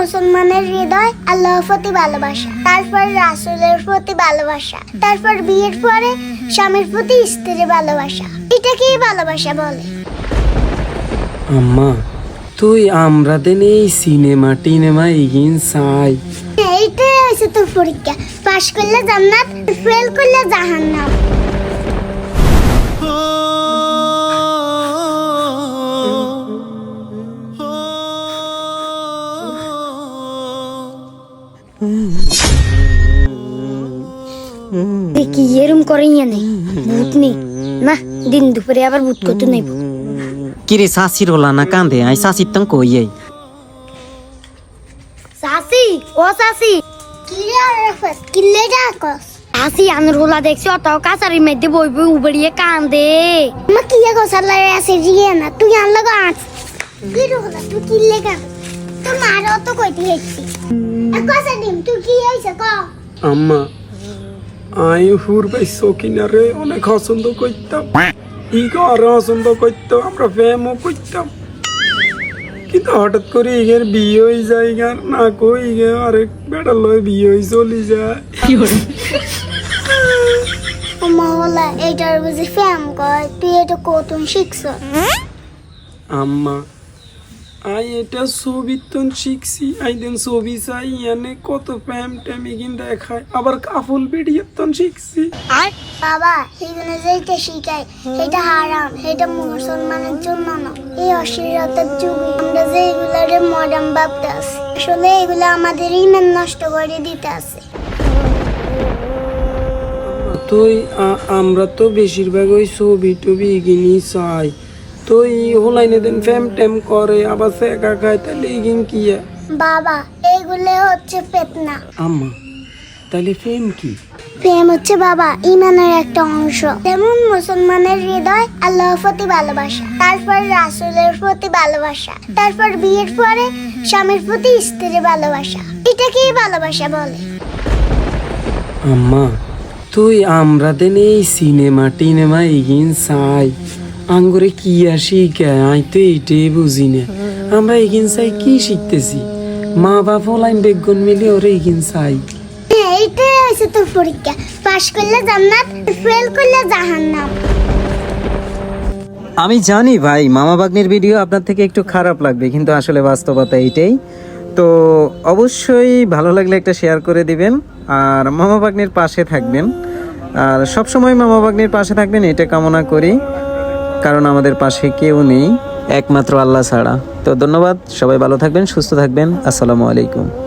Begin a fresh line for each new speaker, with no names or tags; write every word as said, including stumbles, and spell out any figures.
মুসলমানের হৃদয় আল্লাহর প্রতি ভালোবাসা, তারপর রাসূলের প্রতি ভালোবাসা, তারপর বিয়ের পরে স্বামীর প্রতি স্ত্রীর ভালোবাসা। এটাকেই ভালোবাসা বলে।
আম্মা তুই আমরা দেন এই সিনেমা টিনেমা এগিন চাই।
এইটাই হয়েছে তোর পরীক্ষা। পাশ করলে জান্নাত, ফেল করলে জাহান্নাম।
দেখি এরম করে নেই ভূত নেই না, দিন দুপুরে আবার ভূত করতে নেই।
কিরে শাশির ওলা না কান্দে আই শাশির তং কই আই
সাসি ও সাসি
কিরে আরাফাত, কিল্লে ডাকস?
সাসি আনর হোলা দেখছি অত কাছারি মধ্যে বই বই উবড়িয়ে কান্দে।
মা কিয়া গোসালারে আছে জিয়ে না, তুই আনলা গাছ কি রহলা, তুই কিল্লে গা তোর মার অত কইতে হেছি এক কথা দিম, তুই কি হইছে ক?
আম্মা আই হুর ভাই সকিনারে অনেক পছন্দ করতাম, ইগো আরো পছন্দ করতাম, আমরা প্রেমও করতাম, কিন্তু হঠাৎ করে ইগের বিয়ে হয়ে যায় গার না কই ইগে আরেক বেড়া লয় বিয়ে হয়ে চলে যায়।
ও মা হলা এইটার বুঝি ফ্যাম কয়, তুই এটা কতন শিখছ?
আম্মা আই এটা ছবি তন শিখছি, আই দেন ছবি চাই এনে কত প্রেম টেম ইগিন দেখায়, আবার কাফুল ভিডিও তন শিখছি।
বাবা এখানে যেটা শিখায় এটা হারাম, এটা মুসলমানের জন্য না। এই অশ্লীলতার যুগে আমরা যে এগুলারে মডার্ন ভাবতে আছি, আসলে এগুলো আমাদের ইমান নষ্ট করে দিতে আছে।
তুই আমরা তো বেশিরভাগ ওই ছবি টবি ইগিনই চাই, তো ই হলাইনে দেন ফ্যাম ট্যাম করে আবার সে একা খায়, তাহলে ইগিন কি?
বাবা এইগুলো হচ্ছে ফিতনা।
আম্মা তাহলে ফেম কি?
প্রেম হচ্ছে বাবা ইমানের একটা অংশ। যেমন মুসলমানের হৃদয় আল্লাহর প্রতি ভালোবাসা, তারপর রাসূলের প্রতি ভালোবাসা, তারপর বিয়ের পরে স্বামীর প্রতি স্ত্রীর ভালোবাসা। এটাকেই ভালোবাসা বলে।
আম্মা তুই আমরা দেন এই সিনেমা টিনেমা এগিন চাই, আঙ্গুরে কি আর শিখায় আই তো এইটাই বুঝি না। আমরা এগিন চাই কি শিখতেছি? মা বাপ লাইন বেগুন মিলে ওরে এগিন চাই।
এইটাই হয়েছে তোর পরীক্ষা। পাশ করলে জান্নাত, ফেল করলে জাহান্নাম।
আমি জানি ভাই মামা বাগনির ভিডিও আপনার থেকে একটু খারাপ লাগবে, কিন্তু আসলে বাস্তবতা এইটাই। তো অবশ্যই ভালো লাগলে একটা শেয়ার করে দিবেন, আর মামা বাগনির পাশে থাকবেন, আর সবসময় মামা বাগনির পাশে থাকবেন এটা কামনা করি, কারণ আমাদের পাশে কেউ নেই একমাত্র আল্লাহ ছাড়া। তো ধন্যবাদ, সবাই ভালো থাকবেন, সুস্থ থাকবেন, আসসালামু আলাইকুম।